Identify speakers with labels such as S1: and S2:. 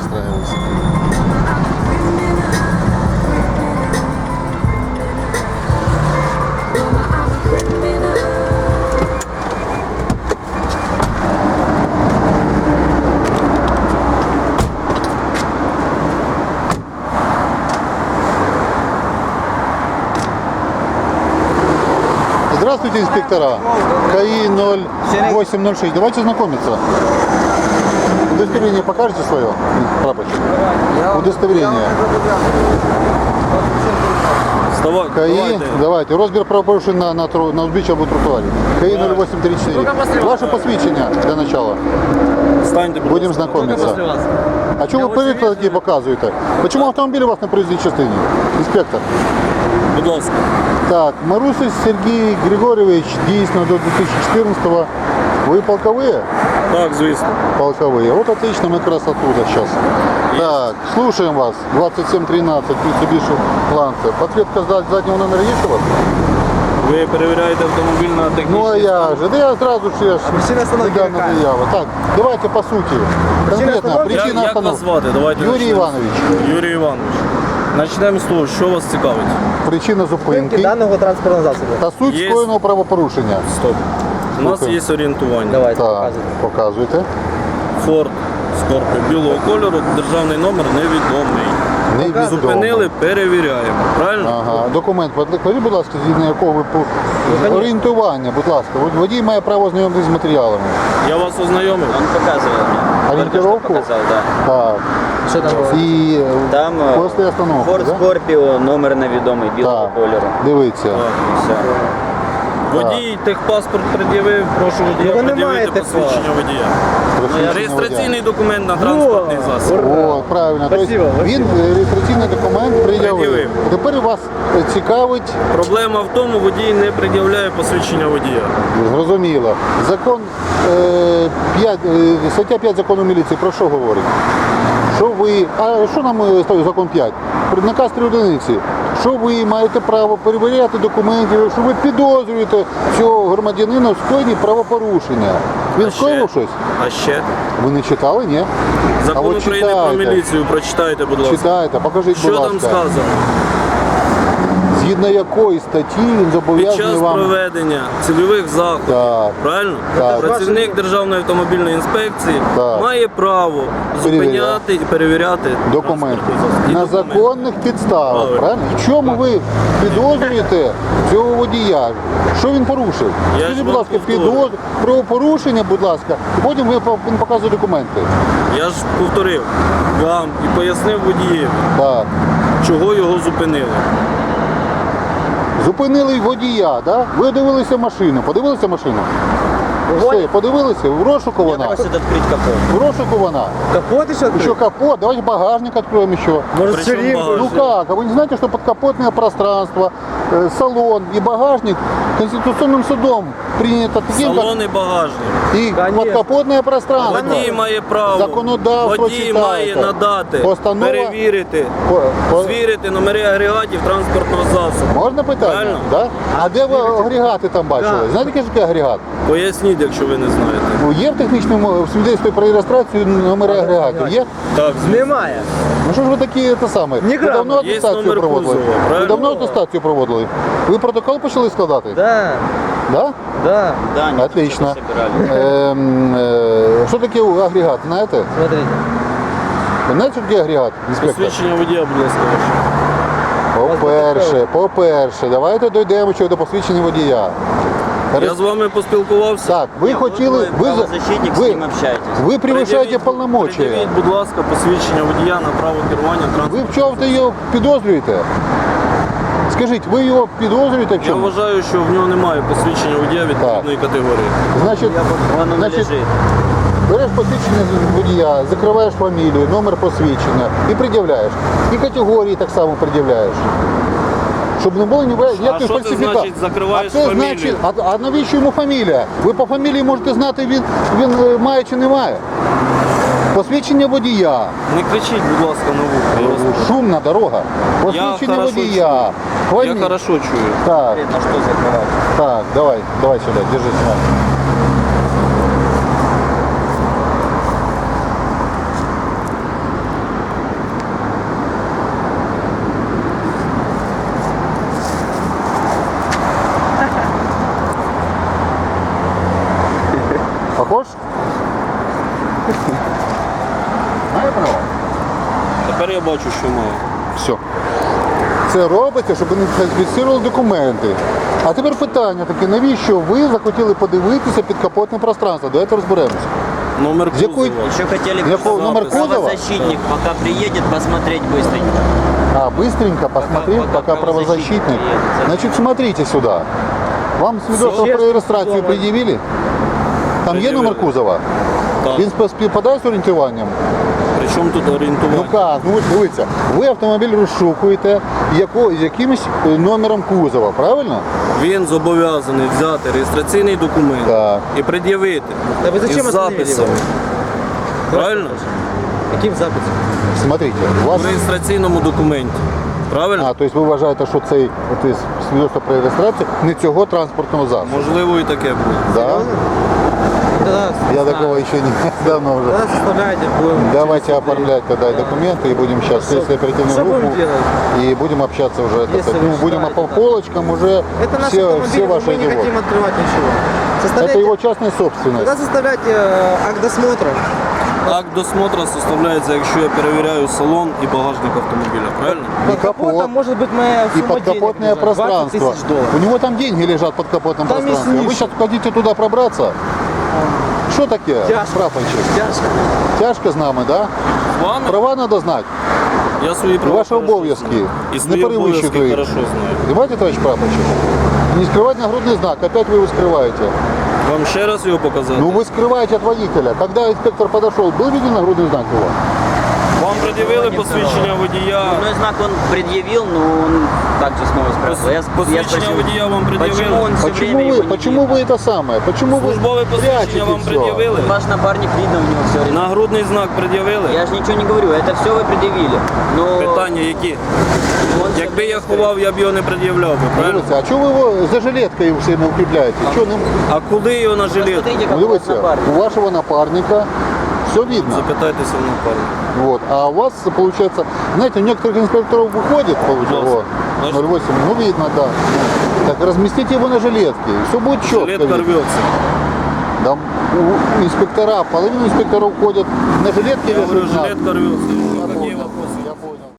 S1: настраивайся. Здравствуйте, инспектора. КАИ 0806. Давайте знакомиться. Удостоверение покажете свое, прапорщик? Удостоверение. КАИ, давайте. Розбір правопорушень на узбіччі або тротуарі. КАИ 0834. Ваше посвідчення для начала. Будем знакомиться. А чого ви переклад такі показуєте? Чому автомобіль у вас на проїзній частині? Інспектор.
S2: Будь ласка.
S1: Так, Марусич Сергій Григорьович, дійсно до 2014-го. Вы полковые?
S2: Так, звісно.
S1: Полковые. Вот отлично, мы как раз оттуда сейчас. Так, слушаем вас. 2713, Mitsubishi Lancer. Подсветка заднего номера есть у вас?
S2: Ви перевіряєте автомобіль на технічний
S1: Ну а я
S2: стан?
S1: же, да я сразу же недавно заяву. Так, давайте по сути. Конкретно, причина
S2: Як вас
S1: остановки.
S2: звати? Давайте
S1: Юрій
S2: почнемо.
S1: Іванович.
S2: Юрій Іванович. Почнемо з того, що вас цікавить.
S1: Причина зупинки
S3: даного транспортного засобу.
S1: та суть
S2: Є.
S1: скоєного правопорушення.
S2: Стоп. У нас
S1: Слухаю.
S2: є орієнтування.
S3: Давайте,
S1: Так,
S3: показуйте.
S1: показуйте.
S2: Ford Scorpio білого кольору, державний номер невідомий.
S1: Невідомо.
S2: Зупинили, перевіряємо. Правильно?
S1: Ага, документ, покажіть, будь ласка, згідно якого ви орієнтування, будь ласка. Водій має право ознайомитися з матеріалами.
S2: Я вас ознайомив.
S4: Он показывал мне.
S1: Ориентировку?
S4: Показал, да.
S1: Так.
S3: Що там було?
S1: І
S4: Там
S1: після остановки,
S4: Ford
S1: да?
S4: Scorpio, номер невідомий, білого
S1: Так.
S4: кольору.
S1: Дивіться.
S2: Так.
S4: І все.
S2: Водій техпаспорт пред'явив, прошу водія
S3: Ви не
S2: пред'явити
S3: маєте
S2: посвідчення водія.
S1: Посвідчення
S2: Реєстраційний документ на транспортний засіб.
S1: водія. О, правильно. Тобто
S3: Спасибо,
S1: він реєстраційний документ пред'явив.
S2: Пред'явив.
S1: Тепер вас цікавить,
S2: Проблема в тому, водій не пред'являє посвідчення водія.
S1: зрозуміло, закон 5, стаття 5 закону міліції про що говорить? Що ви, а що нам ставить закон 5? Наказ 3 одиниці. Що ви маєте право перевіряти документи, що ви підозрюєте цього громадянина в скоєнні правопорушення. Він скоїв щось?
S2: А ще?
S1: Ви не читали, ні?
S2: Закон
S1: от
S2: України про
S1: читайте.
S2: міліцію прочитайте, будь ласка.
S1: Читайте, покажіть,
S2: Що
S1: будь
S2: там
S1: ласка.
S2: сказано?
S1: Згідно якої статті він
S2: Під
S1: зобов'язаний
S2: час
S1: вам...
S2: проведення цільових заходів,
S1: Так.
S2: правильно?
S1: Так.
S2: Працівник Державної автомобільної інспекції
S1: Так.
S2: має право зупиняти і перевіряти
S1: Документи
S2: транспортний засіб. І
S1: на
S2: документи.
S1: законних підставах,
S2: Правильно.
S1: правильно? В чому ви підозрюєте цього водія? Що він порушив?
S2: Я
S1: Скажіть,
S2: ж
S1: будь
S2: вам
S1: ласка,
S2: повторюю.
S1: правопорушення, будь ласка, і потім він показує документи.
S2: Я ж повторив вам і пояснив водієві,
S1: Так.
S2: чого його зупинили.
S1: Зупинили водія, да? Ви дивилися машину, подивилися машину? Все, подивилися, в розшуку
S4: Мне
S1: вона.
S4: просят открыть капот.
S1: В розшуку вона.
S3: Капот еще
S1: Еще капот, давайте багажник откроем еще.
S3: Может,
S2: Причем
S3: ширинку?
S2: багажник?
S1: Ну как? А вы не знаете, что подкапотное пространство, салон и багажник Конституционным судом принято таким, как
S2: Салон і багажник.
S1: и
S3: Конечно.
S1: подкапотное пространство.
S2: Водій має право,
S1: Законодавство
S2: водій
S1: читайте.
S2: має надати,
S1: Постанова-
S2: перевірити,
S1: По-
S2: звірити номери агрегатів транспортного засобу.
S1: Можна питання?
S2: Правильно.
S1: Да? А де ви агрегати там бачили?
S3: Так.
S1: Знаєте, який такий агрегат?
S2: Поясніть, якщо ви не знаєте.
S1: Ну, є в технічному свідоцтві про реєстрацію номери агрегатів? Є?
S2: Так,
S3: Немає.
S1: Ну що ж ви такі те саме? Ви
S3: Ні
S1: давно
S3: грама.
S2: Є
S1: атестацію
S2: номер
S1: проводили?
S2: кузова,
S1: Ви
S2: правильно?
S1: давно атестацію проводили? Ви протокол почали складати?
S3: Да,
S1: Да?
S3: да.
S4: Да, они тут
S1: Отлично.
S4: что-то собирали.
S1: Що таке агрегат, знаєте?
S3: Смотрите.
S1: Ви знаєте, що таке агрегат, інспектор?
S2: посвідчення водія, будь ласка, ваше.
S1: По-перше, давайте дійдемо до посвідчення водія.
S2: Я з вами поспілкувався.
S1: Так, ви хотіли,
S4: Вы правозащитник, с ним общаетесь.
S1: ви превышаєте повномочия.
S2: Пред'явіть, будь ласка, посвідчення водія на право керування
S1: Ви
S2: транспортним
S1: в чому-то його підозрюєте? Скажіть, ви його підозрюєте в
S2: Я
S1: чому?
S2: вважаю, що в нього немає посвідчення водія відповідної категорії.
S1: Значить,
S4: Вон он
S1: значить,
S4: лежит.
S1: береш посвідчення водія, закриваєш фамілію, номер посвідчення і пред'являєш. І категорії так само пред'являєш. Щоб не було ніяких
S2: що це
S1: фальсифікацій.
S2: значить, закриваєш
S1: А це
S2: фамілію?
S1: значить, а навіщо йому фамілія? Ви по фамілії можете знати, він має чи не має. Посвідчення водія.
S2: Не кричіть, будь ласка, на вухо. Я вас-
S1: Шумна дорога. Посвідчення
S2: хорошо
S1: водія.
S2: Я хорошо чую.
S1: Так,
S4: На что закрывать?
S1: так, давай сюди, держи сюди.
S2: Тепер я бачу, що маю.
S1: Все. Це робиться, щоб вони фіксували документи. А тепер питання таке, навіщо ви захотіли подивитися підкапотне пространство? Давайте розберемося.
S2: Номер
S1: З якої-
S2: кузова.
S4: Еще хотели
S1: Якого номер кузова?
S4: правозащитник, пока приедет, посмотреть быстренько.
S1: А, быстренько посмотрел,
S4: пока
S1: пока правозащитник.
S4: правозащитник приедет.
S1: Значит, смотрите сюда. Вам свидетельство
S3: Все.
S1: про реєстрацію пред'явили? Там є номер кузова?
S2: Так.
S1: Він співпадає з орієнтуванням?
S2: Причому тут
S1: Ну
S2: орієнтування?
S1: як? Ну дивіться, ви автомобіль розшукуєте якимось номером кузова, правильно?
S2: Він зобов'язаний взяти реєстраційний документ
S1: Так.
S2: і пред'явити
S3: Та ви зачем
S2: із
S3: остановили
S2: записом.
S3: його?
S2: Правильно?
S3: Яким записом?
S1: Смотрите, у вас...
S2: В реєстраційному документі. Правильно?
S1: А, тобто ви вважаєте, що цей свідоцтво про реєстрацію не цього транспортного засобу?
S2: Можливо, і таке буде.
S1: Да?
S3: Тогда,
S1: Я такого еще не давно уже.
S3: Тогда составляйте, будем...
S1: Давайте оформлять тогда документы и будем сейчас следствие оперативную
S3: Что будем
S1: группу
S3: делать?
S1: и будем общаться уже.
S3: Если
S1: Ну,
S3: вы
S1: будем
S3: считаете,
S1: по
S3: да.
S1: полочкам уже
S3: Это наш
S1: все
S3: автомобиль,
S1: ваши
S3: мы не
S1: дела.
S3: хотим открывать ничего.
S1: Это
S3: Составляйте...
S1: его частная собственность.
S3: Тогда составляйте акт досмотра.
S2: Акт досмотра составляється, якщо я перевіряю салон і багажник автомобіля. Правильно?
S1: И
S3: Под капотом
S1: капот,
S3: может быть моя
S1: и
S3: сумма
S1: подкапотное
S3: денег лежать, 20
S1: пространство.
S3: тысяч долларов.
S1: У него там деньги лежат под капотным
S3: Там есть
S1: пространством. Вы
S3: ниша.
S1: сейчас хотите туда пробраться? Что такое?
S3: Тяжко.
S1: Прапорщик?
S3: Тяжко.
S1: Тяжко з нами, да?
S2: З вами
S1: Права надо знать.
S2: я свої права
S1: Ваші
S2: хорошо
S1: обов'язки
S2: знаю. І
S1: не
S2: свої
S1: перевищуйте
S2: обов'язки
S1: їх.
S2: хорошо знаю.
S1: Понимаете, товарищ прапорщик? Не скрывать нагрудный знак, опять вы его скрываете.
S2: Вам ще раз його показати?
S1: Ну вы скрываете от водителя. Когда инспектор подошел, был виден нагрудный знак его?
S2: Вам пред'явили посвідчення водія?
S4: Номерной знак он предъявил, но он также снова спрашивал. Я
S2: Посвідчення
S4: спросил,
S2: водія вам
S4: почему
S2: пред'явили?
S4: он все время его не
S1: Почему
S4: видно?
S1: вы это самое? Почему вы
S2: Службове посвідчення
S1: прячете
S2: вам
S1: все?
S2: пред'явили?
S4: Ваш напарник, видно, у него все время.
S2: Нагрудний знак пред'явили?
S4: Я же ничего не говорю, это все вы предъявили. Но
S2: Питання які?
S4: он всё
S2: Якби я
S4: время
S2: ховав, я б його не пред'являв би, правильно?
S1: Дивіться, а чого ви його за жилеткою все не укріпляєте? Чого не...
S2: А куди його на жилет?
S4: Посмотрите, как
S1: Ну,
S4: у вас
S1: дивіться,
S4: напарник.
S1: у вашого напарника все видно.
S2: Запитайтеся в напарника.
S1: Вот. А у вас, получается, знаете, у некоторых инспекторов выходит, получается,
S2: Наш.
S1: 0,8, ну видно, да. Так разместите его на жилетке, все будет четко.
S2: Жилетка рвется.
S1: Да, у инспектора, половина инспекторов ходят на жилетке
S2: Я
S1: или
S2: говорю,
S1: на-
S2: жилетка рвется.